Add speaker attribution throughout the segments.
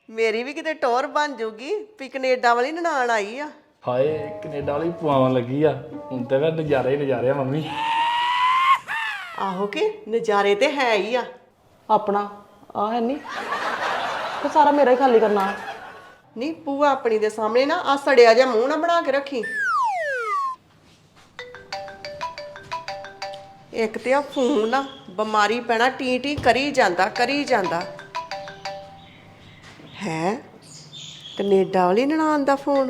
Speaker 1: ਮੇਰੀ ਵੀ ਕਿਤੇ ਟੌਰ ਬਣ ਜੂਗੀ ਵੀ ਕੈਨੇਡਾ ਵਾਲੀ ਨਨਾਣ ਆਈ ਆ।
Speaker 2: ਹਾਏ ਕੈਨੇਡਾ ਵਾਲੀ ਪਵਾਉਣ ਲੱਗੀ ਆ। ਹੁਣ ਤੇ ਫਿਰ ਨਜ਼ਾਰੇ ਹੀ ਨਜ਼ਾਰੇ ਆ ਮੰਮੀ।
Speaker 1: ਆਹੋ ਕਿ ਨਜ਼ਾਰੇ ਤੇ ਹੈ ਹੀ ਆ।
Speaker 3: ਆਪਣਾ ਆ ਹੈ ਨਹੀਂ ਤੇ ਸਾਰਾ ਮੇਰਾ ਹੀ ਖਾਲੀ ਕਰਨਾ।
Speaker 1: ਨਹੀਂ ਭੂਆ ਆਪਣੀ ਦੇ ਸਾਹਮਣੇ ਨਾ ਆ ਸੜਿਆ ਜਿਹਾ ਮੂੰਹ ਨਾ ਬਣਾ ਕੇ ਰੱਖੀ। ਇੱਕ ਤੇ ਆ ਫੋਨ ਨਾ ਬਿਮਾਰੀ ਪੈਣਾ ਟੀ ਟੀ ਕਰੀ ਜਾਂਦਾ ਹੈ। ਕੈਨੇਡਾ ਵਾਲੀ ਨਨਾਣ ਦਾ ਫੋਨ।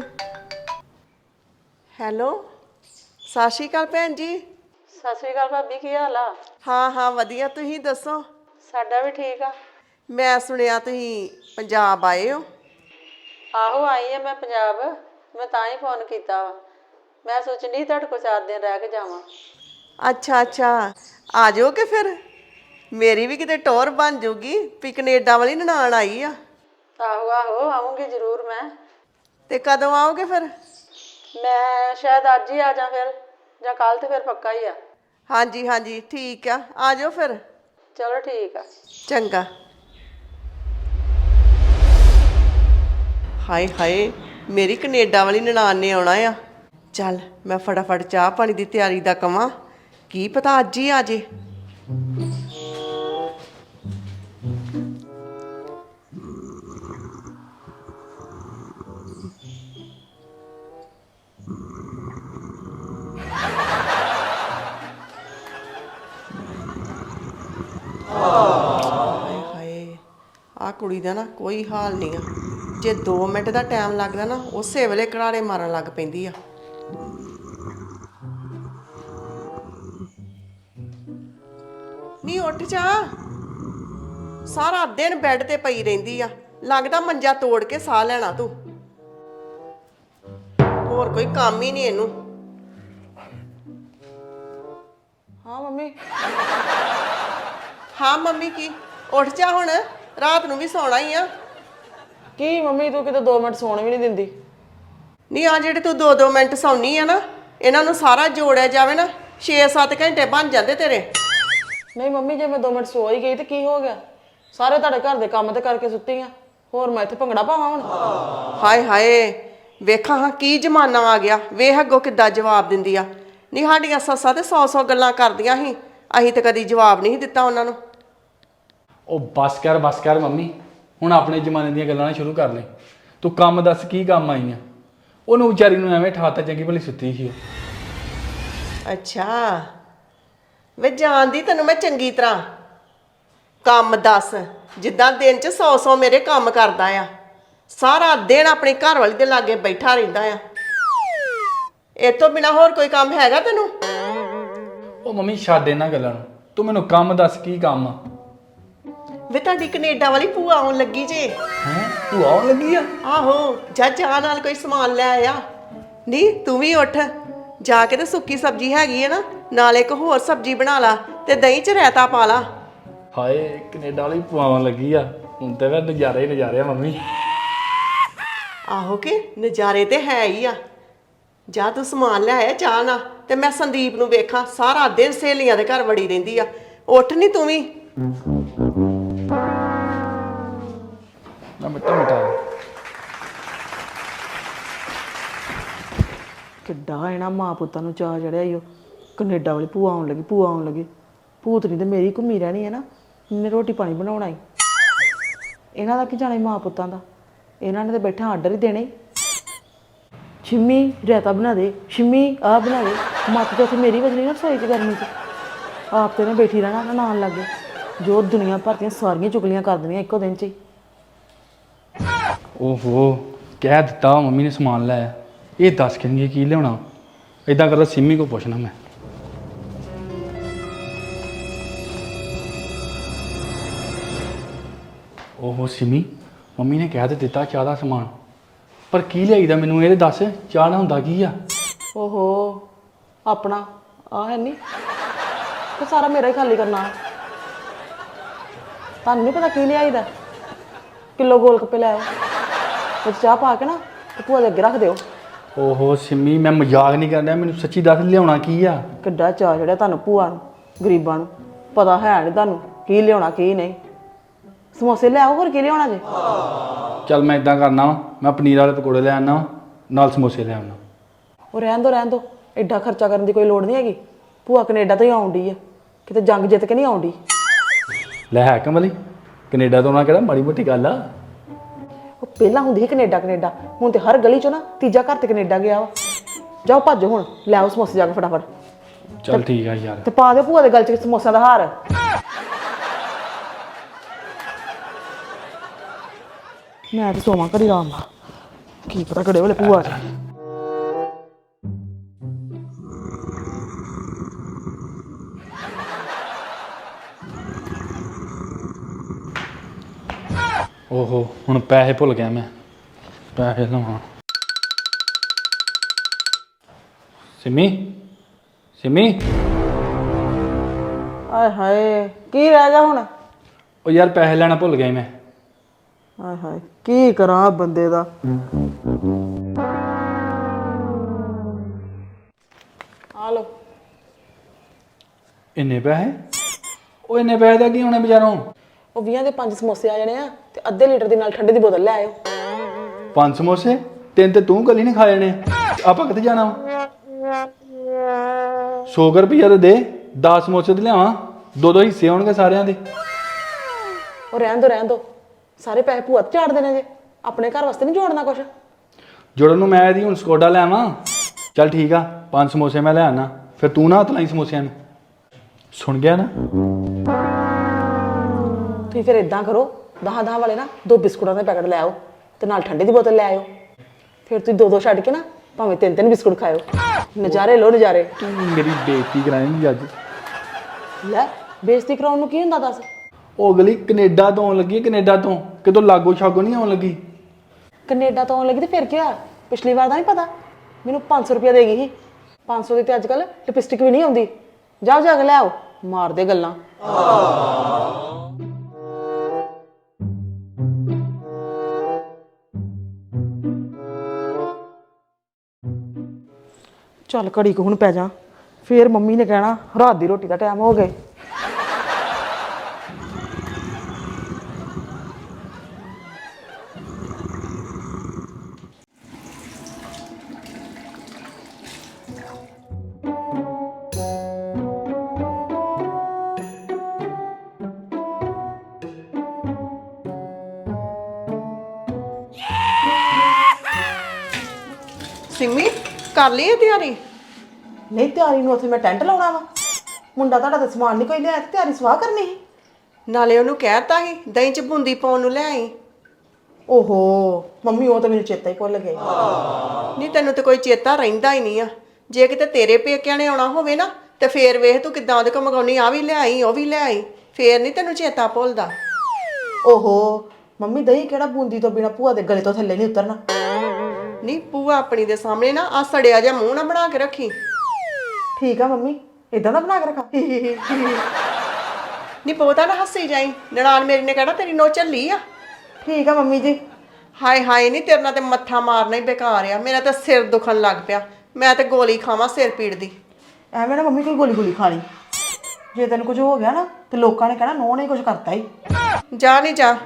Speaker 1: ਹੈਲੋ ਸਤਿ ਸ਼੍ਰੀ ਅਕਾਲ ਭੈਣ ਜੀ।
Speaker 3: ਸਤਿ ਸ੍ਰੀ ਅਕਾਲ ਭਾਬੀ, ਕੀ ਹਾਲ ਆ?
Speaker 1: ਹਾਂ ਵਧੀਆ, ਤੁਸੀਂ ਦੱਸੋ?
Speaker 3: ਸਾਡਾ ਵੀ ਠੀਕ ਆ।
Speaker 1: ਮੈਂ ਸੁਣਿਆ ਤੁਸੀਂ ਪੰਜਾਬ ਆਏ ਹੋ।
Speaker 3: ਆਹੋ ਆਈ ਆ ਮੈਂ ਪੰਜਾਬ। ਮੈਂ ਤਾਂ ਹੀ ਫੋਨ ਕੀਤਾ ਵਾ। ਮੈਂ ਸੋਚਣ ਡਈ ਤੁਹਾਡੇ ਕੋਲ 4 ਦਿਨ ਰਹਿ ਕੇ ਜਾਵਾਂ।
Speaker 1: ਅੱਛਾ ਆ ਜਾਓ ਕਿ ਫਿਰ ਮੇਰੀ ਵੀ ਕਿਤੇ ਟੌਰ ਬਣ ਜੂਗੀ ਵੀ ਕੈਨੇਡਾ ਵਾਲੀ ਨਨਾਣ ਆਈ ਆ।
Speaker 3: ਆਹੋ ਆਉਂਗੀ ਜ਼ਰੂਰ ਮੈਂ।
Speaker 1: ਤੇ ਕਦੋਂ ਆਓਗੇ ਫਿਰ?
Speaker 3: ਮੈਂ ਸ਼ਾਇਦ ਅੱਜ ਹੀ ਆ ਜਾ ਫਿਰ, ਜਾਂ ਕੱਲ ਤੇ ਫਿਰ ਪੱਕਾ ਹੀ ਆ।
Speaker 1: ਹਾਂਜੀ ਠੀਕ ਆ ਜਾਓ ਫਿਰ।
Speaker 3: ਚਲੋ ਠੀਕ ਆ।
Speaker 1: ਚੰਗਾ। ਹਾਏ ਮੇਰੀ ਕੈਨੇਡਾ ਵਾਲੀ ਨਨਾਣ ਨੇ ਆਉਣਾ ਆ। ਚੱਲ ਮੈਂ ਫਟਾਫਟ ਚਾਹ ਪਾਣੀ ਦੀ ਤਿਆਰੀ ਦਾ ਕਵਾਂ, ਕੀ ਪਤਾ ਅੱਜ ਹੀ ਆ ਜੇ। ਹਾਏ ਆ ਕੁੜੀ ਦਾ ਨਾ ਕੋਈ ਹਾਲ ਨਹੀਂ ਆ। ਜੇ 2 ਮਿੰਟ ਦਾ ਟਾਈਮ ਲੱਗਦਾ ਨਾ ਉਸੇ ਵੇਲੇ ਘਰਾੜੇ ਮਾਰਨ ਲੱਗ ਪੈਂਦੀ ਆ। ਨੀ ਉੱਠ ਜਾ, ਸਾਰਾ ਦਿਨ ਬੈੱਡ ਤੇ ਪਈ ਰਹਿੰਦੀ ਆ। ਲੱਗਦਾ ਮੰਜਾ ਤੋੜ ਕੇ ਸਾਹ ਲੈਣਾ ਤੂੰ। ਹੋਰ ਕੋਈ ਕੰਮ ਹੀ ਨਹੀਂ ਇਹਨੂੰ।
Speaker 3: ਹਾਂ ਮੰਮੀ।
Speaker 1: ਹਾਂ ਮੰਮੀ ਕੀ? ਉੱਠ ਜਾ ਹੁਣ, ਰਾਤ ਨੂੰ ਵੀ ਸੌਣਾ ਹੀ ਆ।
Speaker 3: ਕੀ ਮੰਮੀ ਤੂੰ ਕਿਤੇ 2 ਮਿੰਟ ਸੌਣ ਵੀ ਨਹੀਂ ਦਿੰਦੀ?
Speaker 1: ਨਹੀਂ ਆ ਜਿਹੜੇ ਤੂੰ 2-2 ਮਿੰਟ ਸੌਣੀ ਆ ਨਾ, ਇਹਨਾਂ ਨੂੰ ਸਾਰਾ ਜੋੜਿਆ ਜਾਵੇ ਨਾ 6-7 ਘੰਟੇ ਬਣ ਜਾਂਦੇ ਤੇਰੇ।
Speaker 3: ਨਹੀਂ ਮੰਮੀ, ਜੇ ਮੈਂ 2 ਮਿੰਟ ਸੋ ਹੀ ਗਈ ਤੇ ਕੀ ਹੋ ਗਿਆ? ਸਾਰੇ ਤੁਹਾਡੇ ਘਰ ਦੇ ਕੰਮ ਤੇ ਕਰਕੇ ਸੁੱਤੀ ਆ। ਹੋਰ ਮੈਂ ਇੱਥੇ ਭੰਗੜਾ ਪਾਵਾਂ ਹੁਣ?
Speaker 1: ਹਾਏ ਵੇਖਾਂ ਹਾਂ ਕੀ ਜ਼ਮਾਨਾ ਆ ਗਿਆ। ਵੇਖ ਅੱਗੋਂ ਕਿੱਦਾਂ ਜਵਾਬ ਦਿੰਦੀ ਆ। ਨਹੀਂ ਸਾਡੀਆਂ ਸੱਸਾਂ ਤੇ 100 ਗੱਲਾਂ ਕਰਦੀਆਂ ਸੀ, ਅਸੀਂ ਤੇ ਕਦੀ ਜਵਾਬ ਨਹੀਂ ਦਿੱਤਾ ਉਹਨਾਂ ਨੂੰ।
Speaker 2: ਉਹ ਬਸ ਕਰ ਮੰਮੀ। ਹੁਣ ਆਪਣੇ ਜ਼ਮਾਨੇ ਦੀਆਂ ਗੱਲਾਂ ਨਾ ਸ਼ੁਰੂ ਕਰ ਲੈ। ਤੂੰ ਕੰਮ ਦੱਸ, ਕੀ ਕੰਮ ਆਈ ਆ? ਉਹਨੂੰ ਵਿਚਾਰੀ ਨੂੰ ਐਵੇਂ ਠਾਤਾ, ਚੰਗੀ ਭਲੀ ਸੁੱਤੀ ਸੀ ਉਹ।
Speaker 1: ਅੱਛਾ ਵੇ ਜਾਣਦੀ ਤੈਨੂੰ ਮੈਂ ਚੰਗੀ ਤਰ੍ਹਾਂ। ਕੰਮ ਦੱਸ, ਜਿੱਦਾਂ ਦਿਨ 'ਚ 100 ਮੇਰੇ ਕੰਮ ਕਰਦਾ ਆ। ਸਾਰਾ ਦਿਨ ਆਪਣੀ ਘਰ ਵਾਲੀ ਦੇ ਲਾਗੇ ਬੈਠਾ ਰਹਿੰਦਾ ਆ। ਇਹ ਤੋਂ ਬਿਨਾ ਹੋਰ ਕੋਈ ਕੰਮ ਹੈਗਾ ਤੈਨੂੰ?
Speaker 2: ਉਹ ਮੰਮੀ ਛੱਡ ਇਹਨਾਂ ਗੱਲਾਂ ਨੂੰ, ਤੂੰ ਮੈਨੂੰ ਕੰਮ ਦੱਸ, ਕੀ ਕੰਮ ਆ?
Speaker 1: ਵੇ ਤੁਹਾਡੀ ਕੈਨੇਡਾ ਵਾਲੀ ਭੂਆ ਆਉਣ ਲੱਗੀ ਜੇ।
Speaker 2: ਹੈਂ ਤੂੰ ਆਉਣ ਲੱਗੀ ਆ?
Speaker 1: ਆਹੋ ਜਾ ਨਾਲ ਕੋਈ ਸਮਾਨ ਲੈ ਆ। ਨਹੀਂ ਤੂੰ ਵੀ ਉੱਠ ਜਾ ਕੇ ਤੇ ਸੁੱਕੀ ਸਬਜ਼ੀ ਹੈਗੀ ਹੈ ਨਾ, ਨਾਲ ਇੱਕ ਹੋਰ ਸਬਜ਼ੀ ਬਣਾ ਲਾ ਤੇ ਦਹੀਂ 'ਚ ਰਾਇਤਾ ਪਾ ਲਾ।
Speaker 2: ਹਾਏ ਕੈਨੇਡਾ ਵਾਲੀ ਪਵਾਉਣ ਲੱਗੀ ਆ। ਹੁਣ ਤੇ ਫਿਰ ਨਜ਼ਾਰੇ ਹੀ ਨਜ਼ਾਰੇ ਆ ਮੰਮੀ।
Speaker 1: ਆਹੋ ਕਿ ਨਜ਼ਾਰੇ ਤੇ ਹੈ ਹੀ ਆ। ਜਾ ਤੂੰ ਸਮਾਨ ਲੈ ਆਇਆ ਚਾਹ ਨਾ, ਤੇ ਮੈਂ ਸੰਦੀਪ ਨੂੰ ਵੇਖਾਂ ਸਾਰਾ ਦਿਨ ਸਹੇਲੀਆਂ ਦੇ ਘਰ ਵੜੀ ਰਹਿੰਦੀ ਆ। ਉੱਠ ਨਹੀਂ ਤੂੰ ਵੀ।
Speaker 2: ਨਾ ਮਿੱਟਾ
Speaker 3: ਕਿੱਡਾ ਇਹਨਾਂ ਮਾਂ ਪੁੱਤਾਂ ਨੂੰ ਚਾਅ ਚੜਿਆ ਈ। ਉਹ ਕੈਨੇਡਾ ਵਾਲੀ ਭੂਆ ਆਉਣ ਲੱਗੀ। ਭੂਤਨੀ ਤੇ ਮੇਰੀ ਘੁੰਮੀ ਰਹਿਣੀ ਹੈ ਨਾ। ਇਹਨੇ ਰੋਟੀ ਪਾਣੀ ਬਣਾਉਣਾ ਈ। ਇਹਨਾਂ ਦਾ ਕੀ ਜਾਣੇ ਮਾਂ ਪੁੱਤਾਂ ਦਾ। ਇਹਨਾਂ ਨੇ ਤੇ ਬੈਠਾ ਆਰਡਰ ਹੀ ਦੇਣੇ। ਸ਼ਿੰਮੀ ਰਾਇਤਾ ਬਣਾ ਦੇ, ਸ਼ਿੰਮੀ ਆਹ ਬਣਾ ਦੇ। ਮੱਤ ਤੇ ਉੱਥੇ ਮੇਰੀ ਵਜਣੀ ਨਾ ਰਸੋਈ 'ਚ ਗਰਮੀ 'ਚ। ਆਪ ਤੇ ਨੇ ਬੈਠੀ ਰਹਿਣਾ ਨਾਲ ਲੱਗੇ। ਜੋ ਦੁਨੀਆ ਭਰ ਦੀਆਂ ਸਾਰੀਆਂ ਚੁਗਲੀਆਂ ਕਰ ਦੇਣੀਆਂ ਇੱਕੋ ਦਿਨ 'ਚ ਹੀ।
Speaker 2: ਓਹੋ ਕਹਿ ਦਿੱਤਾ ਮੰਮੀ ਨੇ ਸਮਾਨ ਲੈ ਆ। ਇਹ ਦੱਸ ਕਿੰਨੀ ਕੀ ਲਿਆਉਣਾ? ਇਦਾਂ ਕਰਦਾ ਸਿੰਮੀ ਕੋ ਪੁੱਛਣਾ ਮੈਂ। ਓਹੋ ਸਿੰਮੀ, ਮੰਮੀ ਨੇ ਕਹਿ ਤੇ ਦਿੱਤਾ ਚਾਹ ਦਾ ਸਮਾਨ, ਪਰ ਕੀ ਲਿਆਈਦਾ ਮੈਨੂੰ ਇਹ ਦੱਸ। ਚਾਹ ਨਾ ਹੁੰਦਾ ਕੀ ਆ?
Speaker 3: ਓਹੋ ਆਪਣਾ ਆ ਹੈ ਨਹੀਂ ਤੇ ਸਾਰਾ ਮੇਰਾ ਹੀ ਖਾਲੀ ਕਰਨਾ। ਤੁਹਾਨੂੰ ਨਹੀਂ ਪਤਾ ਕੀ ਲਿਆਈਦਾ? ਕਿਲੋ ਗੋਲ ਗੱਪੇ ਲੈ ਆਓ, ਵਿੱਚ ਚਾਹ ਪਾ ਕੇ ਨਾ ਤੇ ਭੂਆ ਦੇ ਅੱਗੇ ਰੱਖ ਦਿਓ।
Speaker 2: ਓਹੋ ਸਿੰਮੀ, ਮੈਂ ਮਜ਼ਾਕ ਨਹੀਂ ਕਰਦਾ, ਮੈਨੂੰ ਸੱਚੀ ਦੱਸ ਲਿਆਉਣਾ ਕੀ ਆ?
Speaker 3: ਕਿੱਡਾ ਚਾਅ ਚੜਿਆ ਤੁਹਾਨੂੰ ਭੂਆ ਨੂੰ। ਗਰੀਬਾਂ ਨੂੰ ਪਤਾ ਹੈ ਨਹੀਂ ਤੁਹਾਨੂੰ ਕੀ ਲਿਆਉਣਾ ਕੀ ਨਹੀਂ। ਸਮੋਸੇ ਲੈ ਆਓ, ਹੋਰ ਕੀ ਲਿਆਉਣਾ ਜੇ?
Speaker 2: ਚੱਲ ਮੈਂ ਇਦਾਂ ਕਰਨਾ ਵਾ, ਮੈਂ ਪਨੀਰ ਵਾਲੇ ਪਕੌੜੇ ਲੈ ਆਉਣਾ ਵਾ, ਨਾਲ ਸਮੋਸੇ ਲੈ ਆਉਣਾ।
Speaker 3: ਉਹ ਰਹਿਣ ਦੋ ਐਡਾ ਖਰਚਾ ਕਰਨ ਦੀ ਕੋਈ ਲੋੜ ਨਹੀਂ ਹੈਗੀ। ਭੂਆ ਕੈਨੇਡਾ ਤੋਂ ਹੀ ਆਉਂਦੀ ਆ, ਕਿਤੇ ਜੰਗ ਜਿੱਤ ਕੇ ਨਹੀਂ ਆਉਂਦੀ।
Speaker 2: ਲੈ ਹੈ ਕਮਲੀ, ਕੈਨੇਡਾ ਤੋਂ ਆਉਣਾ ਕਿਹੜਾ ਮਾੜੀ ਮੋਟੀ ਗੱਲ ਆ।
Speaker 3: ਉਹ ਪਹਿਲਾਂ ਹੁੰਦੀ ਸੀ ਕੈਨੇਡਾ, ਹੁਣ ਤੇ ਹਰ ਗਲੀ ਚੋਂ ਨਾ ਤੀਜਾ ਘਰ ਤੇ ਕੈਨੇਡਾ ਗਿਆ ਵਾ। ਜਾਓ ਭੱਜੋ ਹੁਣ, ਲੈ ਆਓ ਸਮੋਸੇ ਜਾ ਕੇ ਫਟਾਫਟ।
Speaker 2: ਚੱਲ ਠੀਕ ਆ ਯਾਰ।
Speaker 3: ਤੇ ਪਾ ਦਿਓ ਭੂਆ ਦੇ ਗਲ 'ਚ ਸਮੋਸਿਆਂ ਦਾ ਹਾਰ। ਮੈਂ ਤੇ ਸੋਵਾਂ ਘੜੀ ਆਰਾਮ ਨਾਲ, ਕੀ ਪਤਾ ਕਿਹੜੇ ਵੇਲੇ ਭੂਆ ਆ ਜਾਏ।
Speaker 2: ਓਹੋ, ਹੁਣ ਪੈਸੇ ਭੁੱਲ ਗਿਆ ਮੈਂ, ਪੈਸੇ ਲਵਾਂ। ਸਿਮੀ
Speaker 3: ਆਏ ਹਾਏ, ਕੀ ਰਹਿ ਗਿਆ ਹੁਣ?
Speaker 2: ਉਹ ਯਾਰ ਪੈਸੇ ਲੈਣਾ ਭੁੱਲ ਗਿਆ ਸੀ ਮੈਂ।
Speaker 3: ਆਏ ਹਾਏ, ਕੀ ਕਰਾਂ ਬੰਦੇ ਦਾ। ਆ ਲੋ।
Speaker 2: ਇੰਨੇ ਪੈਸੇ? ਉਹ ਇੰਨੇ ਪੈਸੇ ਦਾ ਕੀ ਹੋਣੇ ਬਾਜ਼ਾਰੋਂ?
Speaker 3: ਉਹ 20 ਦੇ 5 ਸਮੋਸੇ ਆ ਜਾਣੇ ਆ ਤੇ ਅੱਧੇ ਲੀਟਰ ਦੀ ਨਾਲ ਠੰਡੇ ਦੀ ਬੋਤਲ ਲੈ ਆਇਓ।
Speaker 2: 5 ਸਮੋਸੇ? 3 ਤੇ ਤੂੰ ਕੱਲੀ ਨਹੀਂ ਖਾ ਜਾਣੇ, ਆਪਾਂ ਕਿੱਥੇ ਜਾਣਾ ਵਾ? 100 ਰੁਪਈਆ ਤੇ ਦੇ, 10 ਸਮੋਸੇ ਤੇ ਲਿਆਵਾਂ, 2-2 ਹਿੱਸੇ ਹੋਣਗੇ ਸਾਰਿਆਂ ਦੇ।
Speaker 3: ਉਹ ਰਹਿਣ ਦੋ, ਸਾਰੇ ਪੈਸੇ ਭੂਆ ਤੇ ਝਾੜ ਦੇਣੇ ਜੇ, ਆਪਣੇ ਘਰ ਵਾਸਤੇ ਨਹੀਂ ਜੋੜਨਾ ਕੁਛ।
Speaker 2: ਜੁੜਨ ਨੂੰ ਮੈਂ ਇਹਦੀ ਹੁਣ ਸਕੋਡਾ ਲੈ ਆਵਾਂ। ਚੱਲ ਠੀਕ ਆ, 5 ਸਮੋਸੇ ਮੈਂ ਲੈ ਆਣਾ, ਫਿਰ ਤੂੰ ਨਾ ਹੱਥ ਲਾਈ ਸਮੋਸਿਆਂ ਨੂੰ। ਸੁਣ ਗਿਆ ਨਾ?
Speaker 3: ਤੁਸੀਂ ਫਿਰ ਇਦਾਂ ਕਰੋ, 10 ਵਾਲੇ ਨਾ 2 ਬਿਸਕੁਟਾਂ ਦੇ ਪੈਕਟ ਲੈ ਆਓ ਤੇ ਨਾਲ ਠੰਡੇ ਦੀ ਬੋਤਲ ਲੈ ਆਇਓ। ਫਿਰ ਤੁਸੀਂ 2 ਛੱਡ ਕੇ ਨਾ ਭਾਵੇਂ 3 ਬਿਸਕੁਟ ਖਾਇਓ। ਨਜ਼ਾਰੇ ਲੋ ਨਜ਼ਾਰੇ।
Speaker 2: ਤੂੰ ਮੇਰੀ ਬੇਇੱਜ਼ਤੀ ਕਰਾਏਂਗੀ ਅੱਜ।
Speaker 3: ਲੈ, ਬੇਇੱਜ਼ਤੀ ਕਰਾਉਣ ਨੂੰ ਕੀ ਹੁੰਦਾ ਦੱਸ?
Speaker 2: ਉਹ ਅਗਲੀ ਕੈਨੇਡਾ ਤੋਂ ਆਉਣ ਲੱਗੀ, ਕੈਨੇਡਾ ਤੋਂ ਕਿਤੋਂ ਲਾਗੋ ਛਾਗੋ ਨਹੀਂ ਆਉਣ ਲੱਗੀ।
Speaker 3: ਕੈਨੇਡਾ ਤੋਂ ਆਉਣ ਲੱਗੀ ਤੇ ਫਿਰ ਕੀ ਹੋਇਆ? ਪਿਛਲੀ ਵਾਰ ਦਾ ਨਹੀਂ ਪਤਾ, ਮੈਨੂੰ 500 ਰੁਪਇਆ ਦੇ ਗਈ ਸੀ। 500 ਦੀ ਤੇ ਅੱਜ ਕੱਲ ਲਿਪਸਟਿਕ ਵੀ ਨਹੀਂ ਆਉਂਦੀ। ਜਾਓ ਜਾ ਕੇ ਲੈ ਆਓ, ਮਾਰਦੇ ਗੱਲਾਂ। ਚੱਲ ਘੜੀ ਕੁ ਹੁਣ ਪੈ ਜਾ, ਫੇਰ ਮੰਮੀ ਨੇ ਕਹਿਣਾ ਰਾਤ ਦੀ ਰੋਟੀ ਦਾ ਟਾਈਮ ਹੋ ਗਿਆ।
Speaker 1: ਸਿੰਮੀ ਕਰ ਲਈ ਇਹ ਤਿਆਰੀ?
Speaker 3: ਨਹੀਂ, ਤਿਆਰੀ ਨੂੰ ਉੱਥੇ ਮੈਂ ਟੈਂਟ ਲਾਉਣਾ ਵਾ। ਮੁੰਡਾ ਤੁਹਾਡਾ ਤਾਂ ਸਮਾਨ ਨਹੀਂ ਕੋਈ ਲਿਆ ਤੇ ਤਿਆਰੀ ਸਵਾਹ ਕਰਨੀ ਸੀ।
Speaker 1: ਨਾਲੇ ਉਹਨੂੰ ਕਹਿਤਾ ਸੀ ਦਹੀਂ ਚ ਬੂੰਦੀ ਪਾਉਣ ਨੂੰ ਲੈ ਆਈ।
Speaker 3: ਓਹੋ ਮੰਮੀ, ਉਹ ਤਾਂ ਮੈਨੂੰ ਚੇਤਾ ਹੀ ਭੁੱਲ ਗਿਆ।
Speaker 1: ਨਹੀਂ ਤੈਨੂੰ ਤੇ ਕੋਈ ਚੇਤਾ ਰਹਿੰਦਾ ਹੀ ਨਹੀਂ ਆ। ਜੇ ਕਿਤੇ ਤੇਰੇ ਪੇਕਿਆਂ ਨੇ ਆਉਣਾ ਹੋਵੇ ਨਾ ਤੇ ਫੇਰ ਵੇਖ ਤੂੰ ਕਿੱਦਾਂ ਉਹਦੇ ਕੋਲ ਮੰਗਾਉਣੀ, ਆ ਵੀ ਲੈ ਆਈ ਉਹ ਵੀ ਲੈ ਆਈ, ਫੇਰ ਨਹੀਂ ਤੈਨੂੰ ਚੇਤਾ ਭੁੱਲਦਾ।
Speaker 3: ਓਹੋ ਮੰਮੀ, ਦਹੀਂ ਕਿਹੜਾ ਬੂੰਦੀ ਤੋਂ ਬਿਨਾ ਭੂਆ ਦੇ ਗਲੇ ਤੋਂ ਥੱਲੇ ਨਹੀਂ ਉਤਰਨਾ।
Speaker 1: ਨਹੀਂ ਭੂਆ ਆਪਣੀ ਦੇ ਸਾਹਮਣੇ ਨਾ ਆ ਸੜਿਆ ਜਿਹਾ ਮੂੰਹ ਨਾ ਬਣਾ ਕੇ ਰੱਖੀ।
Speaker 3: ਠੀਕ ਆ ਮੰਮੀ, ਇਦਾਂ ਦਾ ਬਣਾ ਕੇ ਰੱਖਾਂ?
Speaker 1: ਨਹੀਂ ਬਹੁਤਾ ਨਾ ਹੱਸੀ ਜਾਈ, ਨਨਾਣ ਮੇਰੀ ਨੇ ਕਹਿਣਾ ਤੇਰੀ ਨੋ ਝੱਲੀ ਆ।
Speaker 3: ਠੀਕ ਆ ਮੰਮੀ ਜੀ।
Speaker 1: ਹਾਏ ਹਾਏ, ਨਹੀਂ ਤੇਰੇ ਨਾਲ ਤੇ ਮੱਥਾ ਮਾਰਨਾ ਹੀ ਬੇਕਾਰ ਆ। ਮੇਰਾ ਤਾਂ ਸਿਰ ਦੁਖਣ ਲੱਗ ਪਿਆ, ਮੈਂ ਤੇ ਗੋਲੀ ਖਾਵਾਂ ਸਿਰ ਪੀੜ ਦੀ।
Speaker 3: ਐਵੇਂ ਨਾ ਮੰਮੀ ਕੋਈ ਗੋਲੀ ਖਾ ਲਈ, ਜੇ ਤੈਨੂੰ ਕੁਝ ਹੋ ਗਿਆ ਨਾ ਤੇ ਲੋਕਾਂ ਨੇ ਕਹਿਣਾ ਨੋ ਨੇ ਕੁਝ ਕਰਤਾ ਹੀ।
Speaker 1: ਜਾ ਨਹੀਂ ਜਾ।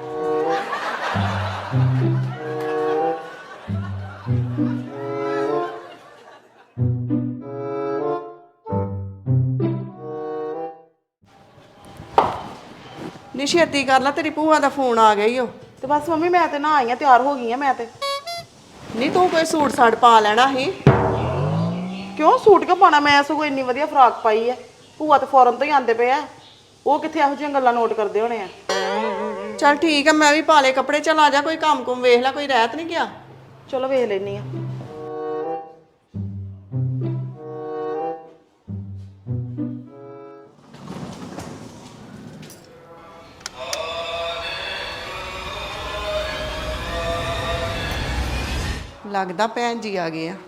Speaker 1: ਨੀ ਛੇਤੀ ਕਰ ਲੈ, ਤੇਰੀ ਭੂਆ ਦਾ ਫੋਨ ਆ ਗਿਆ ਈ ਓ।
Speaker 3: ਤੇ ਬਸ ਮੰਮੀ, ਮੈਂ ਤੇ ਨਾ ਆਈ ਆ, ਤਿਆਰ ਹੋ ਗਈ ਆ ਮੈਂ ਤੇ।
Speaker 1: ਨਹੀਂ ਤੂੰ ਕੋਈ ਸੂਟ ਸਾਟ ਪਾ ਲੈਣਾ ਸੀ।
Speaker 3: ਕਿਉਂ ਸੂਟ ਕਿਉਂ ਪਾਣਾ? ਮੈਂ ਸਗੋਂ ਇੰਨੀ ਵਧੀਆ ਫਰਾਕ ਪਾਈ ਆ। ਭੂਆ ਤੇ ਫੌਰਨ ਤੋਂ ਹੀ ਆਂਦੇ ਪਏ ਆ, ਉਹ ਕਿੱਥੇ ਇਹੋ ਜਿਹੀਆਂ ਗੱਲਾਂ ਨੋਟ ਕਰਦੇ ਹੋਣੇ ਆ।
Speaker 1: ਚੱਲ ਠੀਕ ਆ, ਮੈਂ ਵੀ ਪਾ ਲਏ ਕੱਪੜੇ। ਚੱਲ ਆ ਜਾ, ਕੋਈ ਕੰਮ ਕੁਮ ਵੇਖ ਲੈ, ਕੋਈ ਰਹਿਤ ਨਹੀਂ ਗਿਆ।
Speaker 3: ਚਲੋ ਵੇਖ ਲੈਣੀ ਆ।
Speaker 1: ਲੱਗਦਾ ਭੈਣ ਜੀ ਆ ਗਏ ਆ।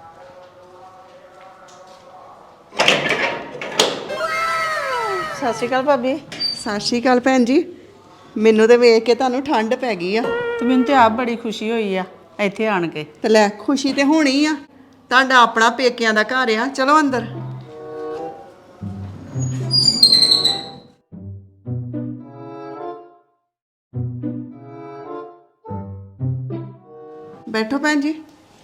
Speaker 4: ਸਤਿ ਸ਼੍ਰੀ ਅਕਾਲ ਭਾਬੀ।
Speaker 1: ਸਤਿ ਸ਼੍ਰੀ ਅਕਾਲ ਭੈਣ ਜੀ। ਮੈਨੂੰ ਤੇ ਵੇਖ ਕੇ ਤੁਹਾਨੂੰ ਠੰਡ ਪੈ ਗਈ ਆ।
Speaker 4: ਤੇ ਮੈਨੂੰ ਤੇ ਆਪ ਬੜੀ ਖੁਸ਼ੀ ਹੋਈ ਆ ਇੱਥੇ ਆਣ ਕੇ।
Speaker 1: ਤੇ ਲੈ, ਖੁਸ਼ੀ ਤੇ ਹੋਣੀ ਆ, ਤੁਹਾਡਾ ਆਪਣਾ ਪੇਕਿਆਂ ਦਾ ਘਰ ਆ। ਚਲੋ ਅੰਦਰ। ਬੈਠੋ ਭੈਣ ਜੀ।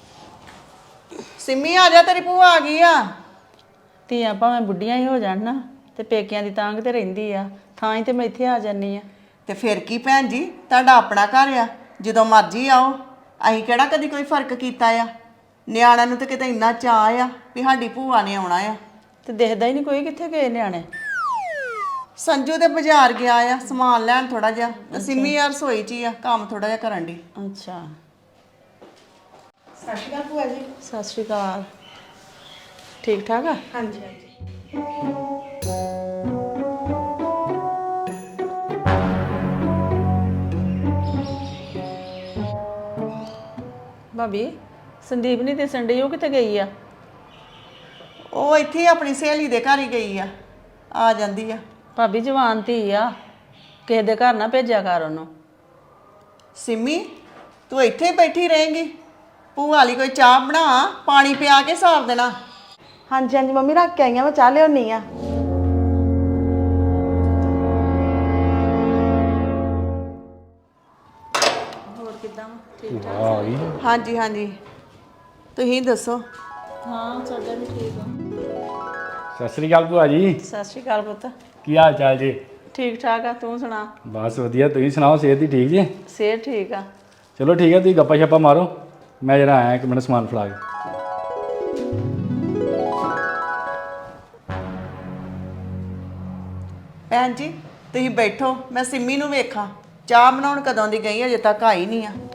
Speaker 1: ਸਿੰਮੀ ਆ ਜਾ, ਤੇਰੀ ਭੂਆ ਆ ਗਈ ਆ।
Speaker 4: ਧੀਆਂ ਭਾਵੇਂ ਬੁੱਢੀਆਂ ਹੀ ਹੋ ਜਾਣ ਨਾ ਤੇ ਪੇਕਿਆਂ ਦੀ ਤਾਂਗ ਤੇ ਰਹਿੰਦੀ ਆ, ਥਾਂ ਹੀ ਤੇ ਮੈਂ ਇੱਥੇ ਆ ਜਾਨੀ ਆ।
Speaker 1: ਤੇ ਫਿਰ ਕੀ ਭੈਣ ਜੀ, ਤੁਹਾਡਾ ਆਪਣਾ ਘਰ ਆ, ਜਦੋਂ ਮਰਜ਼ੀ ਆਓ। ਅਸੀਂ ਕਿਹੜਾ ਕਦੀ ਕੋਈ ਫਰਕ ਕੀਤਾ ਆ। ਨਿਆਣਿਆਂ ਨੂੰ ਤਾਂ ਕਿਤੇ ਇੰਨਾ ਚਾਅ ਆ ਵੀ ਸਾਡੀ ਭੂਆ ਨੇ ਆਉਣਾ ਆ।
Speaker 4: ਤੇ ਦਿਖਦਾ ਹੀ ਨਹੀਂ ਕੋਈ, ਕਿੱਥੇ ਗਏ ਨਿਆਣੇ?
Speaker 1: ਸੰਜੂ ਦੇ ਬਾਜ਼ਾਰ ਗਿਆ ਆ ਸਮਾਨ ਲੈਣ ਥੋੜਾ ਜਿਹਾ, ਤੇ ਸਿੰਮੀ ਆ ਰਸੋਈ 'ਚ ਹੀ ਆ, ਕੰਮ ਥੋੜਾ ਜਿਹਾ ਕਰਨ ਦੀ।
Speaker 4: ਅੱਛਾ,
Speaker 3: ਸਤਿ ਸ਼੍ਰੀ ਅਕਾਲ ਭੂਆ ਜੀ।
Speaker 4: ਸਤਿ ਸ਼੍ਰੀ ਅਕਾਲ। ਠੀਕ ਠਾਕ ਆ?
Speaker 3: ਹਾਂਜੀ ਹਾਂਜੀ।
Speaker 4: ਭਾਬੀ ਸੰਦੀਪ ਨਹੀਂ ਦਿਸਣ ਡਈ, ਉਹ ਕਿੱਥੇ ਗਈ ਆ?
Speaker 1: ਉਹ ਇੱਥੇ ਹੀ ਆਪਣੀ ਸਹੇਲੀ ਦੇ ਘਰ ਹੀ ਗਈ ਆ ਜਾਂਦੀ ਆ।
Speaker 4: ਭਾਬੀ ਜਵਾਨ ਧੀ ਆ, ਕਿਸੇ ਦੇ ਘਰ ਨਾ ਭੇਜਿਆ ਕਰ ਉਹਨੂੰ।
Speaker 1: ਸਿੰਮੀ ਤੂੰ ਇੱਥੇ ਹੀ ਬੈਠੀ ਰਹੇਂਗੀ? ਭੂਆ ਲਈ ਕੋਈ ਚਾਹ ਬਣਾ, ਪਾਣੀ ਪਿਆ ਕੇ ਸਾਰ ਦੇਣਾ।
Speaker 3: ਹਾਂਜੀ ਹਾਂਜੀ ਮੰਮੀ, ਰੱਖ ਕੇ ਆਈਆਂ, ਮੈਂ ਚਾਹ ਲਿਆਉਣੀ ਆ।
Speaker 4: ਹੋਰ ਕਿਦਾਂ? ਠੀਕ ਠਾਕ?
Speaker 2: ਆ ਗਈ
Speaker 1: ਹਾਂਜੀ ਹਾਂਜੀ, ਤੁਸੀਂ ਦੱਸੋ।
Speaker 4: ਹਾਂ ਸਾਡਾ ਵੀ ਠੀਕ ਆ।
Speaker 2: ਸਤਿ ਸ੍ਰੀ ਅਕਾਲ ਭੂਆ ਜੀ।
Speaker 4: ਸਤਿ ਸ਼੍ਰੀ ਅਕਾਲ ਪੁੱਤ।
Speaker 2: ਕੀ ਹਾਲ ਚਾਲ ਜੀ?
Speaker 4: ਠੀਕ ਠਾਕ ਆ, ਤੂੰ ਸੁਣਾ?
Speaker 2: ਬਸ ਵਧੀਆ, ਤੁਸੀਂ ਸੁਣਾਓ, ਸਿਹਤ ਦੀ ਠੀਕ ਜੀ?
Speaker 4: ਸਿਹਤ ਠੀਕ ਆ।
Speaker 2: ਚਲੋ ਠੀਕ ਹੈ, ਤੁਸੀਂ ਗੱਪਾ ਛੱਪਾ ਮਾਰੋ, ਮੈਂ ਜਰਾ ਆਇਆ 1 ਮਿੰਟ ਸਮਾਨ ਫੜਾ ਕੇ।
Speaker 1: ਭੈਣ ਜੀ ਤੁਸੀਂ ਬੈਠੋ, ਮੈਂ ਸਿੰਮੀ ਨੂੰ ਵੇਖਾਂ। ਚਾਹ ਬਣਾਉਣ ਕਦੋਂ ਦੀ ਗਈ, ਅਜੇ ਤੱਕ ਆਈ ਨਹੀਂ ਆ।